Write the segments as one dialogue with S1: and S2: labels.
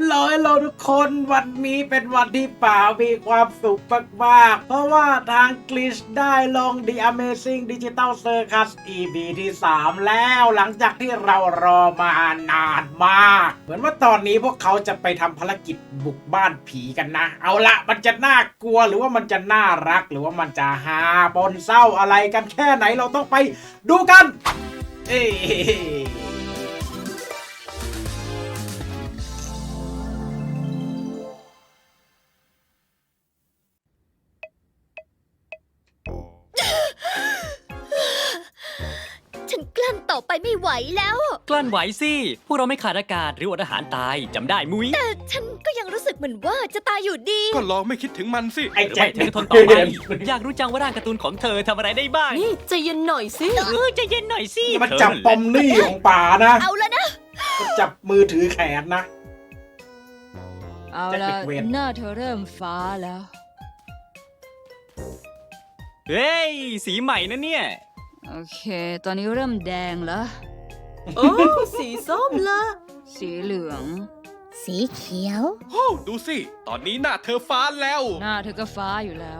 S1: ฮัลโหลทุกคนวันนี้เป็นวันที่ป่ามีความสุขมากๆเพราะว่าทางกลิชได้ลง The Amazing Digital Circus EP ที่ 3 แล้วหลังจากที่เรารอมานานมากเหมือนว่าตอนนี้พวกเขาจะไปทำภารกิจบุกบ้านผีกันนะเอาละมันจะน่ากลัวหรือว่ามันจะน่ารักหรือว่ามันจะฮาปนเศร้าอะไรกันแค่ไหนเราต้องไปดูกันเอ้
S2: ฉันกลั้นต่อไปไม่ไหวแล้ว
S3: กลั้นไหวสิพวกเราไม่ขาดอากาศหรืออดอาหารตายจำได้มุ้ย
S2: แต่ฉันก็ยังรู้สึกเหมือนว่าจะตายอยู่ดี
S4: ก็ลองไม่คิดถึงมันสิ
S1: ไอ้
S3: หรือ
S1: แจ็
S3: ไม่
S1: ค
S3: ถึงทนต่อไปอยากรู้จังว่าร่างการ์ตูนของเธอทำอะไรได้บ้าง
S5: นี่ใจเย็นหน่อยสิ
S3: ใจเย็นหน่อยสิ
S1: มันจับปมนี่ของป่านะ
S2: เอาแล้วนะ
S1: มันจับมือถือแขนนะ
S6: เอาละ
S1: จะปิดเวร
S6: หน้าเธอเริ่มฟ้าแล้ว
S3: เฮ้ยสีใหม่นะเนี่ย
S6: โอเค ตอนนี้เริ่มแดงแล้ว
S5: โอ้สีส้มละ
S6: สีเหลือง
S2: สีเขียว
S4: โอ้ดูสิ ตอนนี้หน้าเธอฟ้าแล้ว
S6: หน้าเธอก็ฟ้าอยู่แล้ว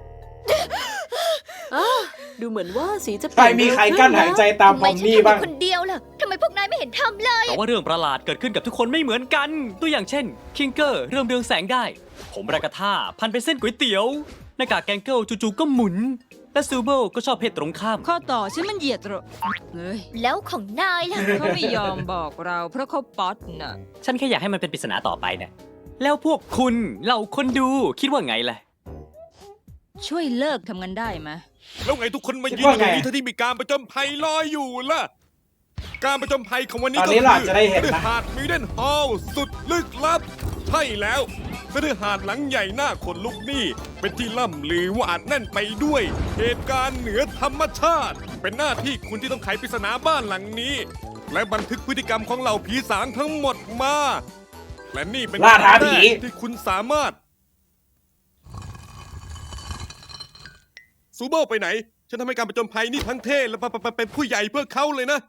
S5: ดูเหมือนว่าสีจะ
S1: ใครมีใครกั้นหายใจตาม
S2: ทำ
S1: ป
S2: ไม
S1: ม
S2: ฉัน
S1: นี่
S2: ทำ
S1: บ้าง
S2: คนเดียวล่ะทำไมพวกนายไม่เห็นทำเลย
S3: แต่ว่าเรื่องประหลาดเกิดขึ้นกับทุกคนไม่เหมือนกัน ตัวอย่างเช่น คิงเกอร์เริ่มเรืองแสงได้ ผมรากาธาพันเป็นเส้นก๋วยเตี๋ยวหน้ากากแกงเกิลจู่ๆก็หมุน และซูเบิลก็ชอบเพศตรงข้าม
S6: ข้อต่อฉันมันเหยียดเหรอเฮ้ย
S2: แล้วของนายล่ะ
S6: เขาไม่ยอมบอกเราเพราะเขาป๊อตน่ะ
S3: ฉันแค่อยากให้มันเป็นปริศนาต่อไปนะแล้วพวกคุณเหล่าคนดูคิดว่าไงล่ะ
S6: ช่วยเลิกทำกันได้ไหม
S4: แล้วไงทุกคนมา
S1: คิด
S4: ยืน
S1: ว่า
S4: ต
S1: ไง
S4: รงนี้ทั้งที่มีการประจนภัยรออยู่ล่ะ การประจนภัยของวันนี้
S1: ตอน
S4: ก็
S1: นี้
S4: คือ
S1: เราอาจจะได้เห็นนะ
S4: หาดมิเดนฮอลสุดลึกลับ ใช่แล้วคฤหาสน์หลังใหญ่หน้าขนลุกนี่เป็นที่ล่ำลือว่าอาจแน่นไปด้วย เหตุการณ์เหนือธรรมชาติ เป็นหน้าที่คุณที่ต้องไขปริศนาบ้านหลังนี้ และบันทึกพฤติกรรมของเหล่าผีสางทั้งหมดมา และนี่เป็น
S1: ล่าท้าผี
S4: ครั้งแรกที่คุณสามารถ ซูเบิลไปไหน ฉันทำให้การประจนภัยนี่ทั้งเท่และเป็นผู้ใหญ่เพื่อเขาเลยนะ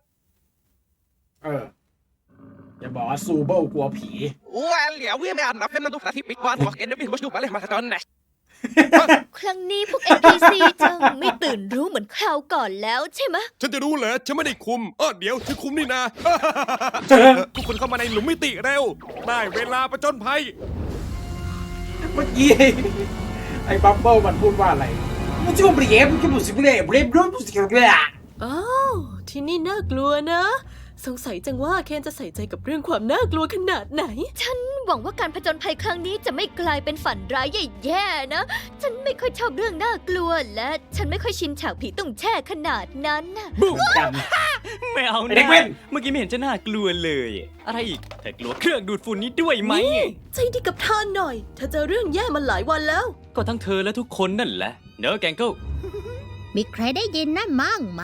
S1: อย่าบอกว่าซูเบิลกลัวผี
S7: Well, ja, we are nothing to that big one. What can we do? Well, my son.
S2: ครั้งนี้พวก NPC จังไม่ตื่นรู้เหมือนคราวก่อนแล้วใช่ไหม
S4: ฉันจะรู้เหรอ ฉันไม่ได้คุมเดี๋ยวฉันคุมนี่นะ ทุกคนเข้ามาในหลุมมิติเร็ว ได้เวลาประจนภัย
S1: เมื่อกี้ ไอ้บับเบิ้ลมันพูดว่าอะไรมันจะมาเบรฟมันจะบุษบเบรฟเบรฟรู้บุษบเบรฟ
S5: อ้าวที่นี่น่ากลัวนะ สงสัยจังว่าเคนจะใส่ใจกับเรื่องความน่ากลัวขนาดไหน
S2: ฉันหวังว่าการผจญภัยครั้งนี้จะไม่กลายเป็นฝันร้ายแย่ๆนะ ฉันไม่ค่อยชอบเรื่องน่ากลัวและฉันไม่ค่อยชินฉากผีตุ้งแช่ขนาดนั้นน่ะ
S1: บุกกัน
S3: ไม่เอา
S1: ไอ้เด็
S3: นะ
S1: กเว้น
S3: เมื่อกี้ไม่เห็นจะน่ากลัวเลย อะไรอีกเธอกลัวเครื่องดูดฝุ่นนี้ด้วยไหม
S5: ใจดีกับเธอหน่อยเธอเจอเรื่องแย่มาหลายวันแล้ว
S3: ก็ทั้งเธอและทุกคนนั่นแหละ เนอะแกงเกิล
S2: มีใครได้ยินนั่นมั่งไหม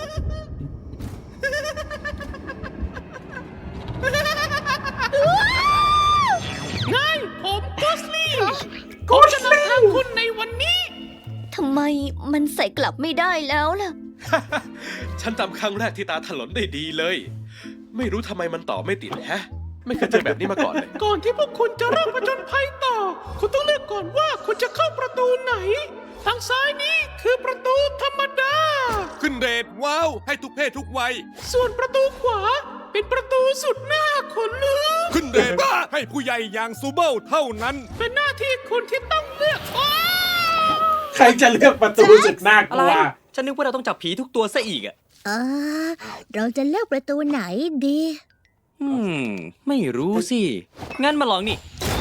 S1: โกชลิง
S2: ทำไมมันใส่กลับไม่ได้แล้วล่ะ
S4: ฉันจำครั้งแรกที่ตาถลนได้ดีเลย ไม่รู้ทำไมมันต่อไม่ติดฮะ ไม่เคยเจอแบบนี้มาก่อนเลย
S7: ก่อนที่พวกคุณจะเริ่มผจญภัยต่อ คุณต้องเลือกก่อนว่าคุณจะเข้าประตูไหน ทางซ้ายนี้คือประตูธรรมดา
S4: ขึ้นเรทว้าว ให้ทุกเพศทุกวัย
S7: ส่วนประตูขวาเป็นประตูสุดหน้าขนลุก
S4: ขึ้นเรทบ้าให้ผู้ใหญ่อย่างซูเบิลเท่านั้น
S7: เป็นหน้าที่คุณที่ต้องเลือก
S1: ใครจะเลือกประตูสุดน่าก
S3: อะไร
S1: ลัว
S3: ฉันนึกว่าเราต้องจับผีทุกตัวซะอีกอ่ะ
S2: เราจะเลือกประตูไหนดี
S3: ไม่รู้สิ งั้นมาลองนี่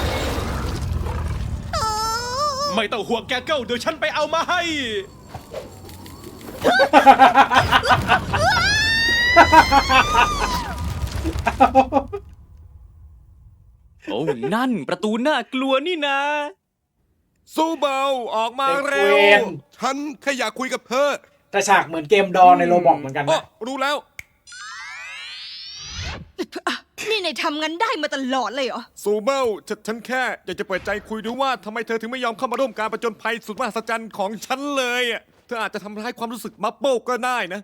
S4: ไม่ต้องห่วงแกเกิลเดี๋ยวฉันไปเอามาให้
S3: โอ้ นั่นประตูน่ากลัวนี่นะ
S4: ซูเบิลออกมาเร็
S1: เด็กเว
S4: ว
S1: ร
S4: ฉันแค่อยากคุยกับเธอ
S1: แต่ฉากเหมือนเกมดอในโรบอกเหมือนกัน
S4: อ๋อ
S1: นะ
S4: รู้แล้ว
S6: นี่นายทำงั้นได้มาตลอดเลยเหรอ
S4: ซูเบิลฉันแค่อยากจะเปิดใจคุยดูว่าทำไมเธอถึงไม่ยอมเข้ามาร่วมการประจนภัยสุดมหัศจรรย์ของฉันเลยอะเธออาจจะทำร้ายความรู้สึกบับเบิลก็ได้นะ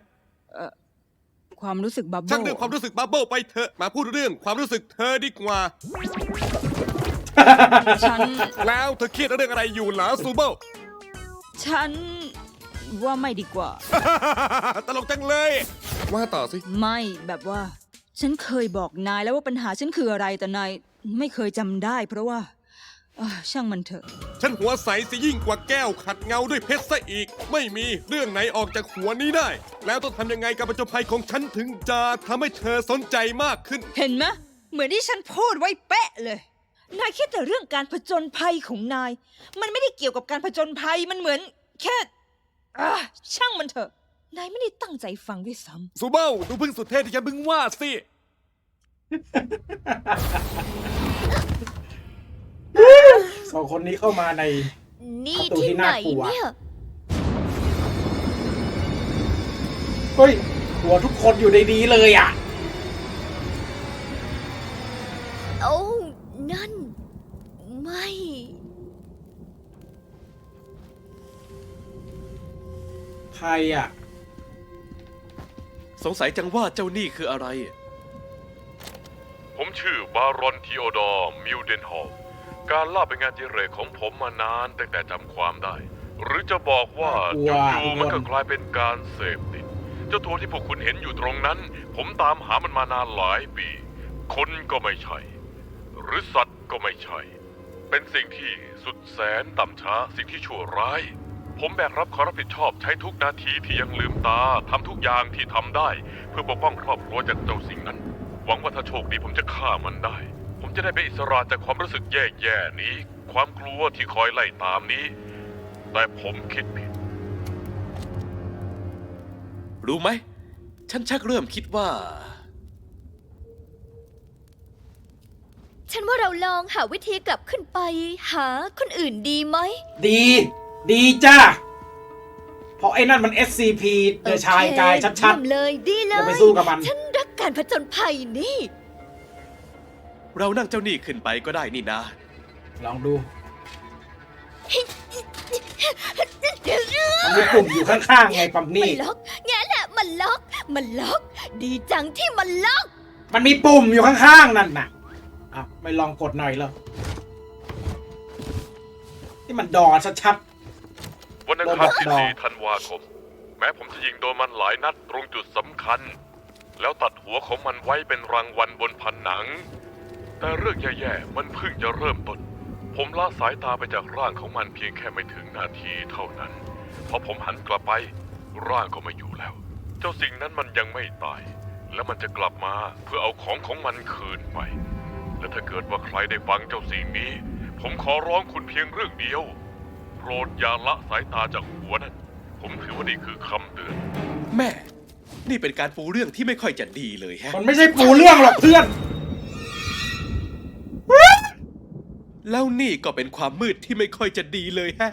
S6: ความรู้สึกบับเบิ้
S4: ช่าง
S6: ล
S4: เรื่องความรู้สึกบับเบิลไปเถอะมาพูดเรื่องความรู้สึกเธอดีกว่า
S6: ฉัน
S4: แล้วเธอเครียดเรื่องอะไรอยู่เหรอซูเบิล
S6: ฉันว่าไม่ดีกว่า
S4: ตลกจังเลย ว่าต่อสิ
S6: ไม่แบบว่า ฉันเคยบอกนายแล้วว่าปัญหาฉันคืออะไรแต่นายไม่เคยจำได้ เพราะว่าช่างมันเถอะ
S4: ฉันหัวใสสิยิ่งกว่าแก้วขัดเงาด้วยเพชรซะอีก ไม่มีเรื่องไหนออกจากหัวนี้ได้ แล้วต้องทำยังไงกับประจบภัยของฉันถึงจะทำให้เธอสนใจมากขึ้น
S6: เห็นไหมเหมือนที่ฉันพูดไว้เป๊ะเลย นายคิดแต่เรื่องการผจญภัยของนาย มันไม่ได้เกี่ยวกับการผจญภัยมันเหมือนแค่ช่างมันเถอะ นายไม่ได้ตั้งใจฟังด้วยซ้ำ
S4: ซูเบิลดูพึ่งสุดเท่ที่ฉันเพิ่งว่าสิ
S1: สองคนนี้เข้ามาใน
S2: นี่
S1: ประตูที่
S2: ที่ไหน
S1: น่ากลัว
S2: เนี่ย
S1: เฮ้ย หัวทุกคนอยู่ในนี้เลยอ่ะ
S2: โอ้นั่น ไม่
S1: ใครอ่ะ
S8: สงสัยจังว่าเจ้านี่คืออะไร
S9: ผมชื่อบารอนทีโอดอร์มิวเดนฮอลการล่าเป็นงานอดิเรกของผมมานานตั้งแต่จำความได้ หรือจะบอกว่า
S1: ว้าว
S9: จู่ๆมันก็กลายเป็นการเสพติด เจ้าตัวที่พวกคุณเห็นอยู่ตรงนั้น ผมตามหามันมานานหลายปี คนก็ไม่ใช่ หรือสัตว์ก็ไม่ใช่ เป็นสิ่งที่สุดแสนต่ำช้าสิ่งที่ชั่วร้าย ผมแบกรับความรับผิดชอบใช้ทุกนาทีที่ยังลืมตาทำทุกอย่างที่ทำได้ เพื่อปกป้องครอบครัวจากเจ้าสิ่งนั้น หวังว่าถ้าโชคดีผมจะฆ่ามันได้ ผมจะได้เป็นอิสระจากความรู้สึกแย่ๆนี้ ความกลัวที่คอยไล่ตามนี้ แต่ผมคิดผิด
S8: รู้ไหม ฉันชักเริ่มคิดว่า
S2: ฉันว่าเราลองหาวิธีกลับขึ้นไป หาคนอื่นดีไหม
S1: ดี ดีจ้า เพราะไอ้นั่นมัน SCP เดอะชายกายชัด
S2: เยี่ยมเลยดีเล
S1: อย่าไปสู้กับมัน
S2: ฉันรักการผจญภัยนี่
S8: เรานั่งเจ้านี่ขึ้นไปก็ได้นี่นะ
S1: ๆ ลองดู มันมีปุ่มอยู่ข้างๆไงปั๊ม
S2: มั
S1: นี่
S2: นล็อกแง่แหละมันล็อก มันล็อก ดีจังที่มันล็อก
S1: มันมีปุ่มอยู่ข้างๆ นั่นน่ะอ้าวไม่ลองกดหน่อยเหรอนี่มันดอชัด
S9: วันอังคารที่4 ธันวาคม แม้ผมจะยิงโดนมันหลายนัดตรงจุดสำคัญ แล้วตัดหัวของมันไว้เป็นรางวัลบนผนัง แต่เรื่องแย่ๆมันเพิ่งจะเริ่มต้น ผมละสายตาไปจากร่างของมันเพียงแค่ไม่ถึงนาทีเท่านั้น พอผมหันกลับไป ร่างก็ไม่อยู่แล้ว เจ้าสิ่งนั้นมันยังไม่ตาย และมันจะกลับมาเพื่อเอาของมันคืนไป และถ้าเกิดว่าใครได้ฟังเจ้าสิ่งนี้ ผมขอร้องคุณเพียงเรื่องเดียว โปรดอย่าละสายตาจากหัวนั้น ผมถือว่านี่คือคำเตือน
S8: แม่ นี่เป็นการปูเรื่องที่ไม่ค่อยจะดีเลยฮะ
S1: ๆ มันไม่ใช่ปูเรื่องหรอกเพื่อน
S8: แล้วนี่ก็เป็นความมืดที่ไม่ค่อยจะดีเลยฮะ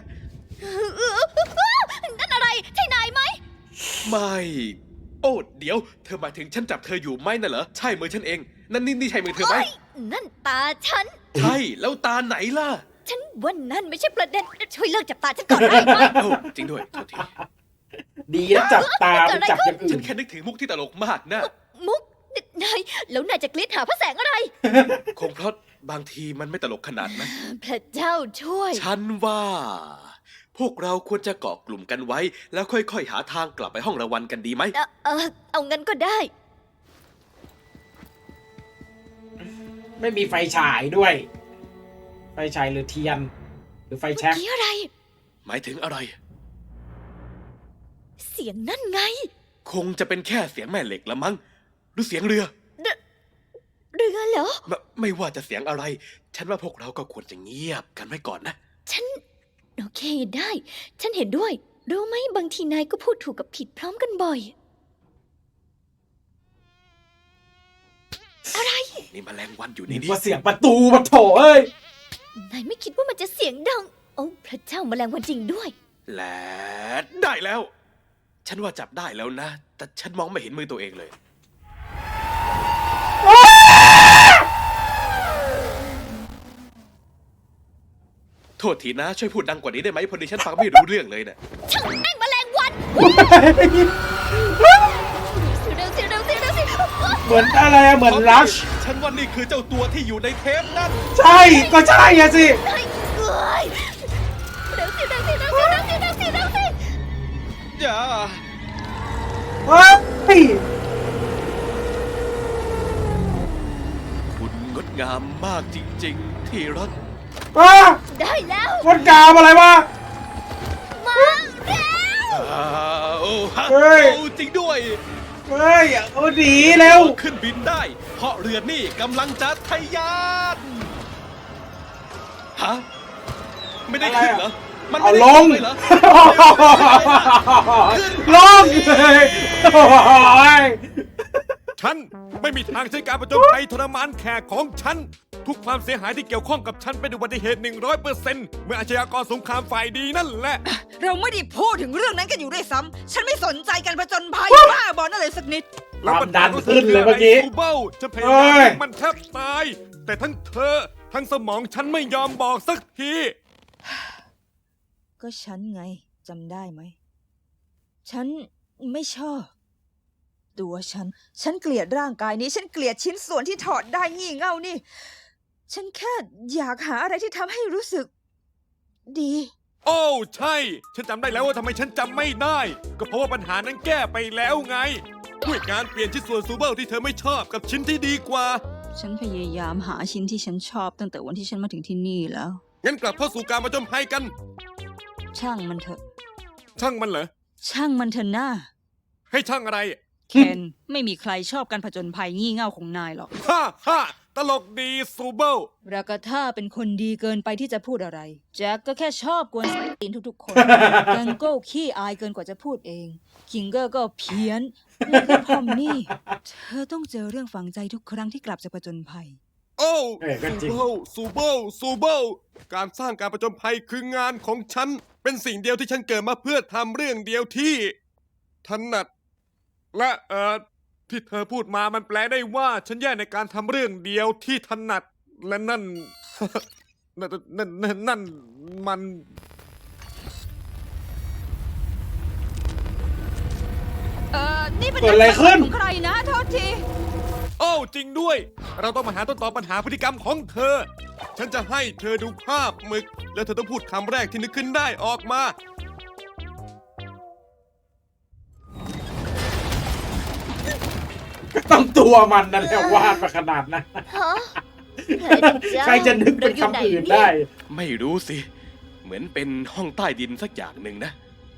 S2: นั่นอะไร ใช่นายไหม
S8: ไม่ โอ้เดี๋ยว เธอหมายถึงฉันจับเธออยู่ไหมน่ะเหรอ ใช่มือฉันเอง นั่นนี่ใช่มือเธอไหม
S2: เฮ้ย นั่นตาฉัน
S8: ใช่ แล้วตาไหนล่ะ
S2: ฉันว่านั่นไม่ใช่ประเด็น ช่วยเลิกจับตาฉันก่อนได้ไหม
S8: โอ้จริงด้วยโทษที
S1: ดีนะจับตาไม่จับอย่างอื่
S8: ฉั
S1: น
S8: นแค่นึกถึงมุกที่ตลกมากนะ
S2: มุก นาย แล้วนายจะกรีดหาพระแสงอะไร
S8: คงเพราะบางทีมันไม่ตลกขนาดนั้น
S2: พระเจ้าช่วย
S8: ฉันว่า พวกเราควรจะเกาะกลุ่มกันไว้ แล้วค่อยๆหาทางกลับไปห้องรางวัลกันดีไหม
S2: เอางั้นก็ได้
S1: ไม่มีไฟฉายด้วย ไฟฉายหรือเทียน หรือไฟแช็ก
S2: เมื่อกี้อะไร
S8: หมายถึงอะไร
S2: เสียงนั่นไง
S8: คงจะเป็นแค่เสียงแม่เหล็กละมั้ง หรือเสียงเรือ
S2: เรือเหรอ
S8: ไม่ว่าจะเสียงอะไร ฉันว่าพวกเราก็ควรจะเงียบกันไว้ก่อนนะ
S2: ฉัน โอเคได้ ฉันเห็นด้วย รู้ไหมบางทีนายก็พูดถูกกับผิดพร้อมกันบ่อย อะไร
S8: นี่แมลงวันอยู่ใน
S1: นี่
S8: นี้
S1: ว่าเสียงประตูมาโถเอ้ย
S2: นายไม่คิดว่ามันจะเสียงดัง โอ้พระเจ้าแมลงวันจริงด้วย
S8: และได้แล้ว ฉันว่าจับได้แล้วนะ แต่ฉันมองไม่เห็นมือตัวเองเลย โทษทีนะ ช่วยพูดดังกว่านี้ได้ไหมพอดีฉันฟังไม่รู้เรื่องเลยเนี่ย
S2: ช่างแม่งแมลงวันเร็วสิเร็วสิเร็วสิ
S1: เหมือนอะไรอะเหมือนรัช
S8: ฉันว่านี่คือเจ้าตัวที่อยู่ในเทปนั่น
S1: ใช่ก็ใช่อะสิ
S2: เฮ้ยเอ้ยเร็วสิเร็วสิเร็วสิเร็วสิเร็วสิเร็วสิ
S8: อย่า
S1: เฮ้ย
S8: คุณงดงามมากจริงๆ ที่รัก
S1: อ่ะ
S2: ได้แล้ว
S1: คนกาวอะไรวะ
S2: มาเร็ว
S8: โอ้ฮะ
S1: เฮ้ย
S8: โอ้จริงด้วย
S1: เฮ้ยเอาหนีเร็ว
S8: ขึ้นบินได้ เพราะเรือนี่กำลังจะทะยานฮะ ไม่ได้ขึ้นเหรอ มัน
S1: เอา
S8: ไม่
S1: ล
S8: ได้
S1: ง
S8: ขึ้นเลยเหรอ
S1: ลงเลยโอ้ย
S4: ฉันไม่มีทางใช้การประจนภัยทรมานแขกของฉัน ทุกความเสียหายที่เกี่ยวข้องกับฉันเป็นอุบัติเหตุ 100%เมื่ออาชญากรสงครามฝ่ายดีนั่นแหละ
S6: เราไม่ได้พูดถึงเรื่องนั้นกันอยู่ด้วยซ้ำฉันไม่สนใจการผจญภัยบ้าบอลอะไรสักนิด
S1: ความดันขึ้นเลยเมื่อกี้
S4: ซูเบิลจะพยา
S1: เอ้
S4: ยาม
S1: ย
S4: ให้มันแทบตาย แต่ทั้งเธอ ทั้งสมองฉันไม่ยอมบอกสักที
S6: ก็ฉันไงจำได้ไหม ฉันไม่ชอบ ตัวฉันเกลียดร่างกายนี้ ฉันเกลียดชิ้นส่วนที่ถอดได้งี่เง่านี่ ฉันแค่อยากหาอะไรที่ทำให้รู้สึก ดี
S4: โอ้ใช่ ฉันจำได้แล้วว่าทำไมฉันจำไม่ได้ ก็เพราะว่าปัญหานั้นแก้ไปแล้วไง ด้วยการเปลี่ยนชิ้นส่วนซูเบิลที่เธอไม่ชอบกับชิ้นที่ดีกว่า
S6: ฉันพยายามหาชิ้นที่ฉันชอบตั้งแต่วันที่ฉันมาถึงที่นี่แล้ว
S4: งั้นกลับเข้าสู่การมาจนภัยกัน
S6: ช่างมันเถอะ
S4: ช่างมันเหรอ
S6: ช่างมันเถอะหน้า
S4: ให้ช่างอะไร
S6: เคนไม่มีใครชอบการผจญภัยงี่เง่าของนายหรอก
S4: ฮ่าฮ่าตลกดีซูเบิล
S6: รากาธาเป็นคนดีเกินไปที่จะพูดอะไร แจ็คก็แค่ชอบกวนตีนทุกๆคน แกงโก้ขี้อายเกินกว่าจะพูดเอง คิงเกอร์ก็เพี้ยน แล้วก็พอมนี่ เธอต้องเจอเรื่องฝังใจทุกครั้งที่กลับจากผจญภัย
S4: โอ้
S1: เอ้ยก็จริง
S4: ซูเบิลการสร้างการประจนภัยคืองานของฉัน เป็นสิ่งเดียวที่ฉันเกิดมาเพื่อทำเรื่องเดียวที่ถนัด และที่เธอพูดมามันแปลได้ว่า ฉันแย่ในการทำเรื่องเดียวที่ถนัด และนั่น นั่นมัน
S6: นี่เป็น
S1: เกิดอะไรขึ้น
S6: ของใครนะโทษที
S4: โอ้จริงด้วย เราต้องมาหาต้นตอปัญหาพฤติกรรมของเธอ ฉันจะให้เธอดูภาพหมึก แล้วเธอต้องพูดคำแรกที่นึกขึ้นได้ออกมา
S1: ต้องตัวมันนั่นแหละวาดมาขนาดนั้น
S2: ฮะใครเป็นเจ้า
S1: ใครจะนึกเป็นคำอื่นได้
S8: ไม่รู้สิ เหมือนเป็นห้องใต้ดินสักอย่างหนึ่งนะ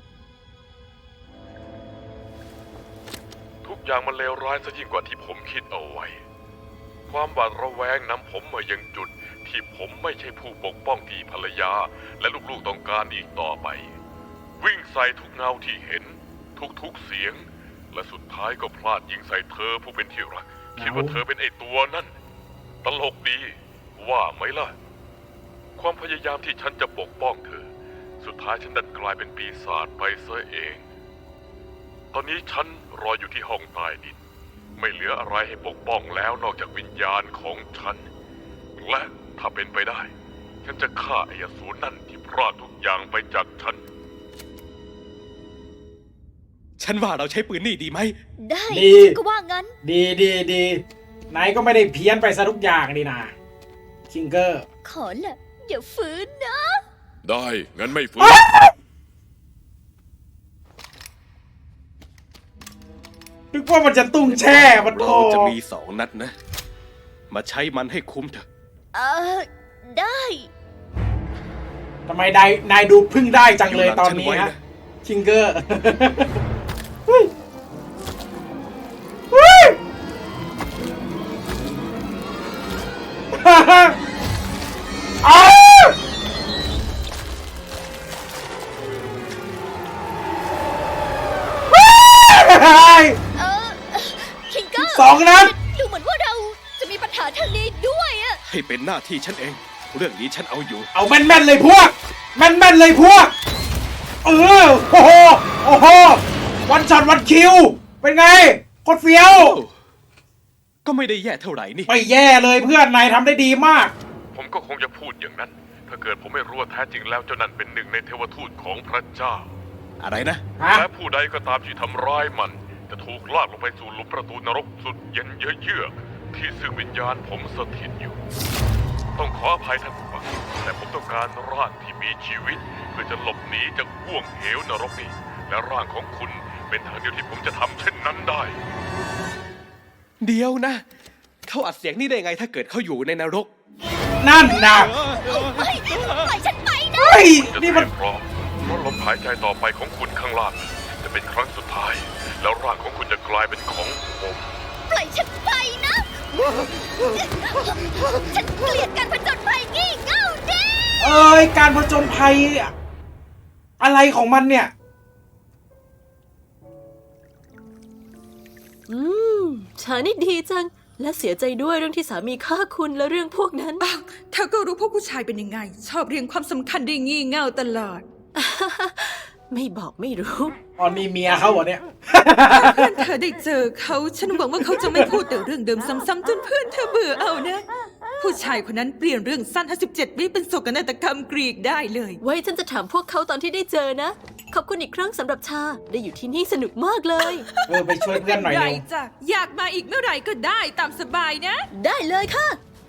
S9: ทุกอย่างมันเลวร้ายซะยิ่งกว่าที่ผมคิดเอาไว้ ความหวาดระแวงนำผมมายังจุดที่ผมไม่ใช่ผู้ปกป้องที่ภรรยา และลูกๆต้องการอีกต่อไป วิ่งใส่ทุกเงาที่เห็น ทุกๆเสียง และสุดท้ายก็พลาดยิงใส่เธอผู้เป็นที่รัก คิดว่าเธอเป็นไอตัวนั่น ตลกดี ว่าไหมล่ะ ความพยายามที่ฉันจะปกป้องเธอ สุดท้ายฉันดันกลายเป็นปีศาจไปซะเอง ตอนนี้ฉันรออยู่ที่ห้องใต้ดิน ไม่เหลืออะไรให้ปกป้องแล้วนอกจากวิญญาณของฉัน และถ้าเป็นไปได้ ฉันจะฆ่าไอ้อสูรนั่นที่พรากทุกอย่างไปจากฉัน
S8: ฉันว่าเราใช้ปืนนี่ดีไหม
S2: ได้
S1: ดี
S2: ฉันก็ว่างั้น
S1: ดีไหนก็ไม่ได้เพี้ยนไปซะทุกอย่างนี่นะคิงเกอร์
S2: ขอแหละอย่าฝืนนะ
S9: ได้ งั้นไม่ฝืน
S1: นึกว่ามันจะตุ้งแช่มันโต
S8: เราจะมี2 นัดนะ มาใช้มันให้คุ้มเถอะ
S2: เออได้
S1: ทำไมนายดูพึ่งได้จังเลยตอนนี้
S8: อยู่หลังฉันไว้
S1: ฮะ
S8: นะ
S1: คิงเกอร์เฮ้ยเฮ้ยอ้าวเฮ้ย
S2: คิงเกอร์
S1: 2 นัด
S2: ดูเหมือนว่าเราจะมีปัญหาทางนี้ด้วยอะ
S8: ให้เป็นหน้าที่ฉันเอง เรื่องนี้ฉันเอาอยู่
S1: เอาแม่นๆเลยพวก แม่นๆเลยพวก โอ้โห วันช็อตวันคิว เป็นไงโคตรเฟี้ยว
S8: ก็ไม่ได้แย่เท่าไหร่นี่
S1: ไม่แย่เลยเพื่อนนายทำได้ดีมาก
S9: ผมก็คงจะพูดอย่างนั้น ถ้าเกิดผมไม่รู้ว่าแท้จริงแล้วเจ้านั่นเป็นหนึ่งในเทวทูตของพระเจ้า
S8: อะไรนะ
S1: ฮะ
S9: และผู้ใดก็ตามที่ทำร้ายมันจะถูกลากลงไปสู่หลุมประตูนรกสุดเย็นเยือกๆที่ซึ่งวิญญาณผมสถิตอยู่ ต้องขออภัยท่านผู้ฟังแต่ผมต้องการร่างที่มีชีวิตเพื่อจะหลบหนีจากห่วงเหวนรกนี้และร่างของคุณเป็นทางเดียวที่ผมจะทำเช่นนั้นได้
S8: เดี๋ยวนะ เขาอัดเสียงนี่ได้ไงถ้าเกิดเขาอยู่ในนรก
S1: นั่นนะ
S2: ปล่อยฉันไปนะ
S1: เฮ้ย
S9: จะ
S1: นี่
S9: เต
S1: มั
S9: รี
S1: น
S9: ยมพร้อมเพราะลมหายใจต่อไปของคุณข้างล่างจะเป็นครั้งสุดท้าย แล้วร่างของคุณจะกลายเป็นของผม
S2: ปล่อยฉันไปนะ ฉันเกลียดการผจญภัยงี่เง่าเด้
S1: เอ้ย การผจญภัยอะไรของมันเนี่ย
S5: ฉันนี่ดีจัง และเสียใจด้วยเรื่องที่สามีฆ่าคุณและเรื่องพวกนั้น
S6: เธอก็รู้พวกผู้ชายเป็นยังไง ชอบเรียงความสำคัญได้งี่เง่าตลอด
S5: ไม่บอกไม่รู้
S1: ตอนนี้เมียเขาเหรอเนี่ย
S6: เพื่อนเธอได้เจอเขาฉันหวังว่าเขาจะไม่พูดแต่เรื่องเดิมซ้ำๆจนเพื่อนเธอเบื่อเอานะ ผู้ชายคนนั้นเปลี่ยนเรื่องสั้น57 วิเป็นโศกนาฏกรรมกรีกได้เลย
S5: ไว้ฉันจะถามพวกเขาตอนที่ได้เจอนะ ขอบคุณอีกครั้งสำหรับชา ได้อยู่ที่นี่สนุกมากเลย
S1: ไปช่วยเพื่อนหน่อย
S6: ไร
S1: เร็ว
S6: จ้ะอยากมาอีกเมื่อไหร่ก็ได้ตามสบายนะ
S5: ได้เลยค่ะ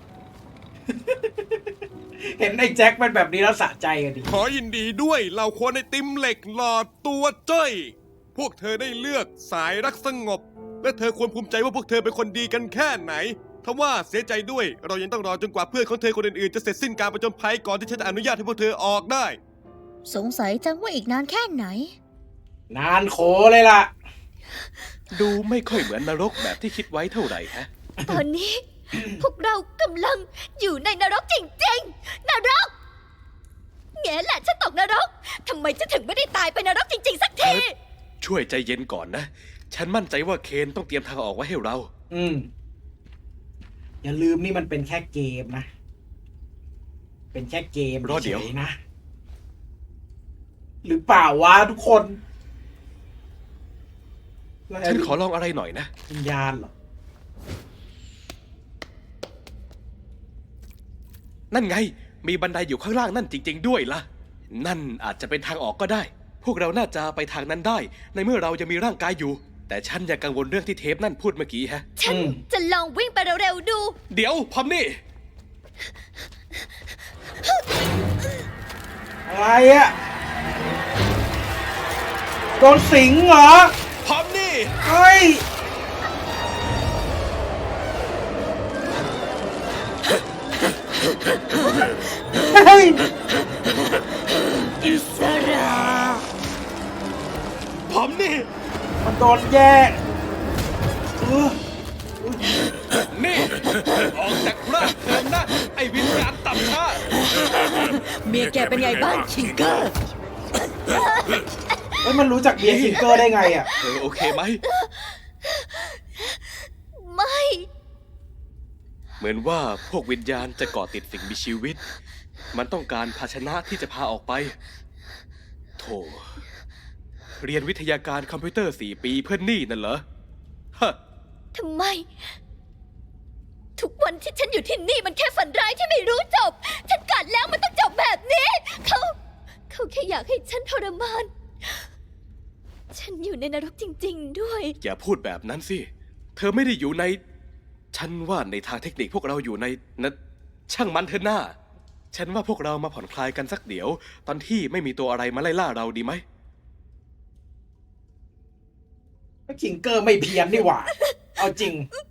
S1: เห็นไอ้แจ็คเป็นแบบนี้แล้วสะใจกันดิ
S4: ขอยินดีด้วยเหล่าคนไอติมเหล็กหลอดตัวจ้อย พวกเธอได้เลือกสายรักสงบ และเธอควรภูมิใจว่าพวกเธอเป็นคนดีกันแค่ไหนทว่าเสียใจด้วยเรายังต้องรอจนกว่าเพื่อนของเธอคนอื่นๆจะเสร็จสิ้นการประจนภัยก่อนที่ฉันจะอนุญาตให้พวกเธอออกได้
S2: สงสัยจังว่าอีกนานแค่ไหน
S1: นานโขเลยล่ะ
S8: ดูไม่ค่อยเหมือนนรกแบบที่คิดไว้เท่าไหร่ฮะ
S2: ตอนนี้ พวกเรากำลังอยู่ในนรกจริงๆ นรก แง่แหละฉันตกนรก ทำไมฉันถึงไม่ได้ตายไปนรกจริงๆสักที
S8: ช่วยใจเย็นก่อนนะ ฉันมั่นใจว่าเคนต้องเตรียมทางออกไว้ให้เรา
S1: อย่าลืมนี่มันเป็นแค่เกมนะ เป็นแค่เกม
S8: รอเดี๋ยว
S1: ฉๆนะ หรือเปล่าวะทุกคน
S8: ฉันขอลองอะไรหน่อยนะ
S1: วิญญาณเหรอ
S8: นั่นไง มีบันไดอยู่ข้างล่างนั่นจริง ๆ ด้วยล่ะ นั่นอาจจะเป็นทางออกก็ได้ พวกเราน่าจะไปทางนั้นได้ ในเมื่อเรายังมีร่างกายอยู่ แต่ฉันยังกังวลเรื่องที่เทปนั่นพูดเมื่อกี้ฮะ
S2: ฉันจะลองวิ่งไปเร็วๆดู
S8: เดี๋ยวพอมนี่
S1: อะไรอะโดนสิงเหรอ
S8: พอมนี่
S1: เฮ้ย เฮ้ย
S8: พอมนี่
S1: มันโดนแยกเออ
S8: นี่ ออกจากร่างเธอนะ ไอ้วิญญาณต่ำช้า
S6: เมียแกเป็นไงบ้างคิงเกอร์
S1: เฮ้ยมันรู้จักเบียร์คิงเกอร์ได้ไงอะ
S8: เธอโอเคไหม
S2: ไม่
S8: เหมือนว่าพวกวิญญาณจะเกาะติดสิ่งมีชีวิต มันต้องการภาชนะที่จะพาออกไป โธ่ เรียนวิทยาการคอมพิวเตอร์4 ปีเพื่อนนี่นั่นเหรอ ฮะ
S2: ทำไม ทุกวันที่ฉันอยู่ที่นี่มันแค่ฝันร้ายที่ไม่รู้จบ ฉันกัดแล้วมันต้องจบแบบนี้ เขาแค่อยากให้ฉันทรมาน ฉันอยู่ในนรกจริง ๆ ด้วย
S8: อย่าพูดแบบนั้นสิ เธอไม่ได้อยู่ใน ฉันว่าในทางเทคนิคพวกเราอยู่ในนะช่างมันเถอะหน้า ฉันว่าพวกเรามาผ่อนคลายกันสักเดี๋ยว ตอนที่ไม่มีตัวอะไรมาไล่ล่าเราดีไหม
S1: คิงเกอร์ไม่เพี้ยนนี่หว่า เอาจริง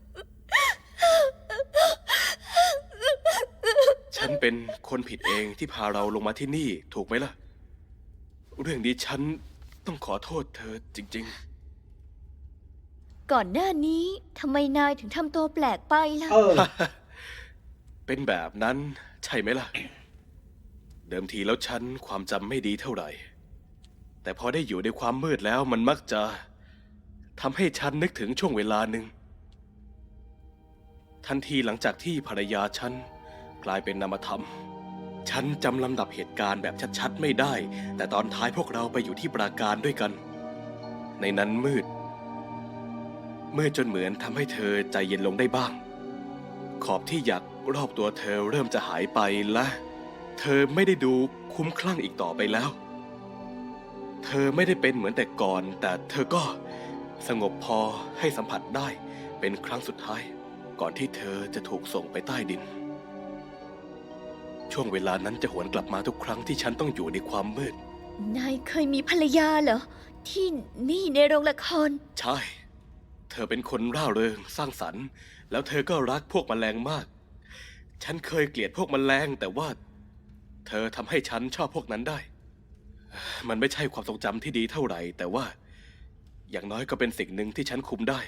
S8: ฉันเป็นคนผิดเองที่พาเราลงมาที่นี่ถูกไหมล่ะ เรื่องนี้ฉันต้องขอโทษเธอจริง
S2: ก่อนหน้านี้ทำไมนายถึงทำตัวแปลกไปล่ะ
S1: เออ
S8: ๆ เป็นแบบนั้นใช่ไหมล่ะ เดิมทีแล้วฉันความจำไม่ดีเท่าไหร่ แต่พอได้อยู่ในความมืดแล้วมันมักจะทำให้ฉันนึกถึงช่วงเวลาหนึ่ง ทันทีหลังจากที่ภรรยาฉันกลายเป็นนามธรรม ฉันจำลำดับเหตุการณ์แบบชัดๆไม่ได้ แต่ตอนท้ายพวกเราไปอยู่ที่ปราการด้วยกัน ในนั้นมืดจนเหมือนทำให้เธอใจเย็นลงได้บ้าง ขอบที่หยักรอบตัวเธอเริ่มจะหายไปและ เธอไม่ได้ดูคุ้มคลั่งอีกต่อไปแล้ว เธอไม่ได้เป็นเหมือนแต่ก่อน แต่เธอก็สงบพอให้สัมผัสได้เป็นครั้งสุดท้าย ก่อนที่เธอจะถูกส่งไปใต้ดิน ช่วงเวลานั้นจะหวนกลับมาทุกครั้งที่ฉันต้องอยู่ในความมืด
S2: นายเคยมีภรรยาเหรอ ที่นี่ในโรงละคร
S8: ใช่ เธอเป็นคนร่าเริงสร้างสรรค์ แล้วเธอก็รักพวกแมลงมาก ฉันเคยเกลียดพวกแมลงแต่ว่า เธอทำให้ฉันชอบพวกนั้นได้ มันไม่ใช่ความทรงจำที่ดีเท่าไหร่ แต่ว่า อย่างน้อยก็เป็นสิ่งหนึ่งที่ฉันคุมได้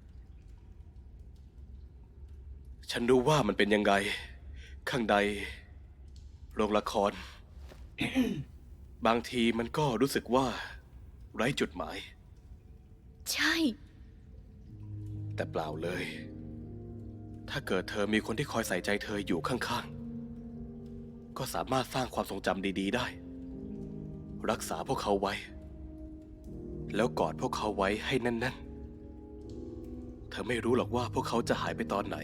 S8: ฉันรู้ว่ามันเป็นยังไง ข้างในโรงละคร บางทีมันก็รู้สึกว่า ไร้จุดหมาย
S2: ใช่
S8: แต่เปล่าเลย ถ้าเกิดเธอมีคนที่คอยใส่ใจเธออยู่ข้างๆ ก็สามารถสร้างความทรงจำดีๆได้ รักษาพวกเขาไว้ แล้วกอดพวกเขาไว้ให้แน่นๆ เธอไม่รู้หรอกว่าพวกเขาจะหายไปตอนไหน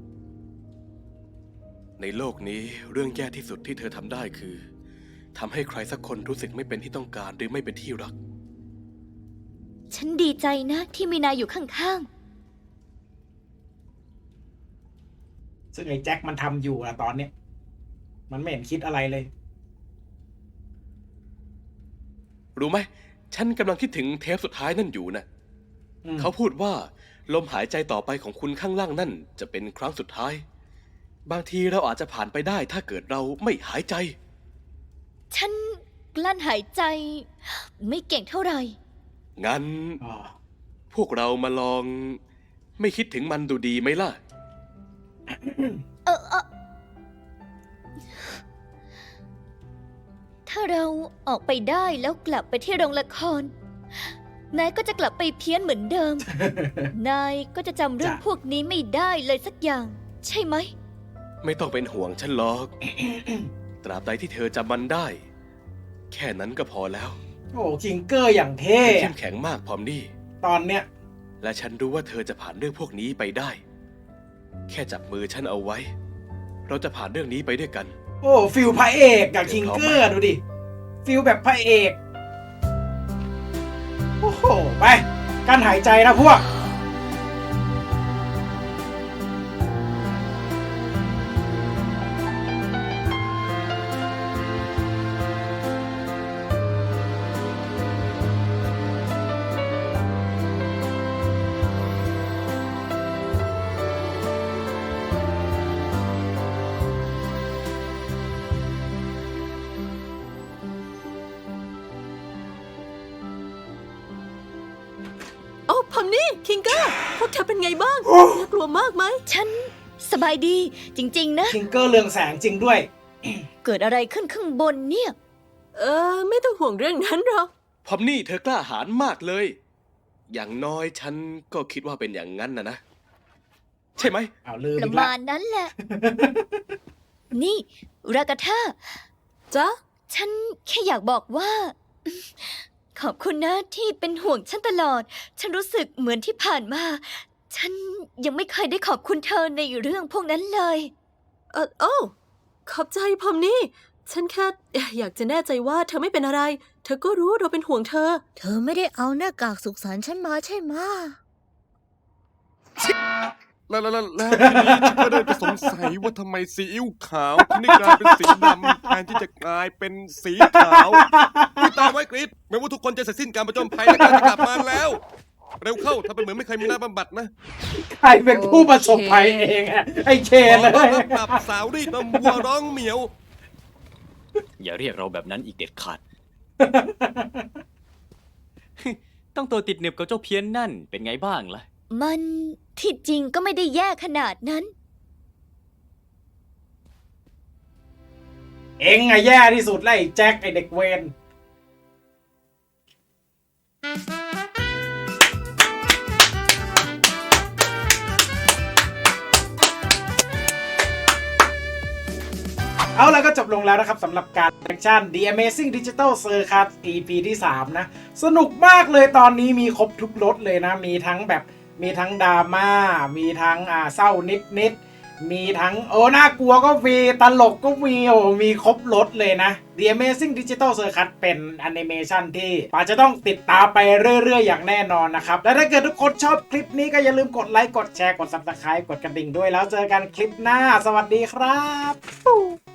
S8: ในโลกนี้เรื่องแย่ที่สุดที่เธอทำได้คือทำให้ใครสักคนรู้สึกไม่เป็นที่ต้องการหรือไม่เป็นที่รัก
S2: ฉันดีใจนะที่มีนายอยู่ข้าง
S1: ซึ่งไอ้แจ็คมันทำอยู่อะตอนเนี้ยมันไม่เห็นคิดอะไรเลย
S8: รู้ไหม ฉันกำลังคิดถึงเทปสุดท้ายนั่นอยู่นะ
S1: อืม
S8: เขาพูดว่าลมหายใจต่อไปของคุณข้างล่างนั่นจะเป็นครั้งสุดท้าย บางทีเราอาจจะผ่านไปได้ถ้าเกิดเราไม่หายใจ
S2: ๆ ฉันกลั้นหายใจ ไม่เก่งเท่าไหร่
S8: งั้น
S1: อ๋อ
S8: พวกเรามาลองไม่คิดถึงมันดูดีไหมล่ะ
S2: ถ้าเราออกไปได้แล้วกลับไปที่โรงละคร นายก็จะกลับไปเพี้ยนเหมือนเดิม นายก็จะจำเรื่อง
S1: จ้ะ
S2: พวกนี้ไม่ได้เลยสักอย่าง ใช่ไหม
S8: ไม่ต้องเป็นห่วงฉันหรอก ตราบใดที่เธอจำมันได้ แค่นั้นก็พอแล้ว
S1: โอ้คิงเกอร์อย่างเท่
S8: เข้
S1: อะ
S8: มแข็งมากพร้อมนี่
S1: ตอนเนี้ย
S8: และฉันรู้ว่าเธอจะผ่านเรื่องพวกนี้ไปได้ แค่จับมือฉันเอาไว้ เราจะผ่านเรื่องนี้ไปด้วยกัน
S1: โอ้ฟิลพระเอกกับคิงเกอร์ดูดิ ฟิลแบบพระเอก โอ้โห ไปการหายใจนะพวก
S5: โอ้พอมนี่คิงเกอร์พวกเธอเป็นไงบ้าง
S1: โอ้
S5: น่ากลัวมากไหม
S2: ฉันสบายดีจริงๆนะ
S1: คิงเกอร์เรืองแสงจริงด้วย
S2: เกิดอะไรขึ้นข้างบนเนี่ย
S5: ไม่ต้องห่วงเรื่องนั้นหรอก
S8: พร้อมนี่เธอกล้าหาญมากเลย อย่างน้อยฉันก็คิดว่าเป็นอย่างนั้นนะ ใช่ไหม
S1: เอาลืม
S2: ประ
S1: อีกแล้
S2: มาว ณนั้นแหละ นี่ รากาธา
S5: จ๊ะ
S2: ฉันแค่อยากบอกว่า ขอบคุณนะที่เป็นห่วงฉันตลอด ฉันรู้สึกเหมือนที่ผ่านมา ฉันยังไม่เคยได้ขอบคุณเธอในเรื่องพวกนั้นเลย
S5: โอ้ขอบใจพอมนี่ ฉันแค่อยากจะแน่ใจว่าเธอไม่เป็นอะไร เธอก็รู้เราเป็นห่วงเธอ
S10: เธอไม่ได้เอาหน้ากากสุขสันต์ฉันมาใช่ไหมะ
S4: แล้วทีนี้ฉันก็เริ่มจะสงสัยว่าทำไมซีอิ๊วขาวถึงได้กลายเป็นสีดำแทนที่จะกลายเป็นสีขาวนี่ตามไว้กรีดแม้ว่าทุกคนจะเสร็จสิ้นการประจนภัยและการจะกลับมาแล้ว เร็วเข้าถ้าเป็นเหมือนไม่เคยมีหน้าบำบัดนะ
S1: ใครเป็นผู้ประสบภัยเองอะไอ้เช
S4: ข
S1: น
S4: อ
S1: เล
S4: ต้อน
S1: ย
S4: รับกลับสาวรีดนมวัวร้องเหมียว
S3: อย่าเรียกเราแบบนั้นอีกเด็ดขาด ต้องตัวติดหนึบกับเจ้าเพี้ยนนั่นเป็นไงบ้างล่ะ
S2: มันที่จริงก็ไม่ได้แย่ขนาดนั้น
S1: เองอะแย่ที่สุดเลยไอ้แจ็คไอ้เด็กเวน เอาแล้วก็จบลงแล้วนะครับสำหรับการแอคชั่น The Amazing Digital Circus EP ที่ 3 นะ สนุกมากเลยตอนนี้มีครบทุกรสเลยนะ มีทั้งแบบมีทั้งดราม่ามีทั้งเศร้านิดมีทั้งน่ากลัวก็มีตลกก็มีมีครบรถเลยนะ The Amazing Digital Circus เป็นแอนิเมชันที่ป๋าจะต้องติดตามไปเรื่อยๆอย่างแน่นอนนะครับและถ้าเกิดทุกคนชอบคลิปนี้ก็อย่าลืมกดไลค์กดแชร์กด Subscribe กดกระดิ่งด้วยแล้วเจอกันคลิปหน้าสวัสดีครับ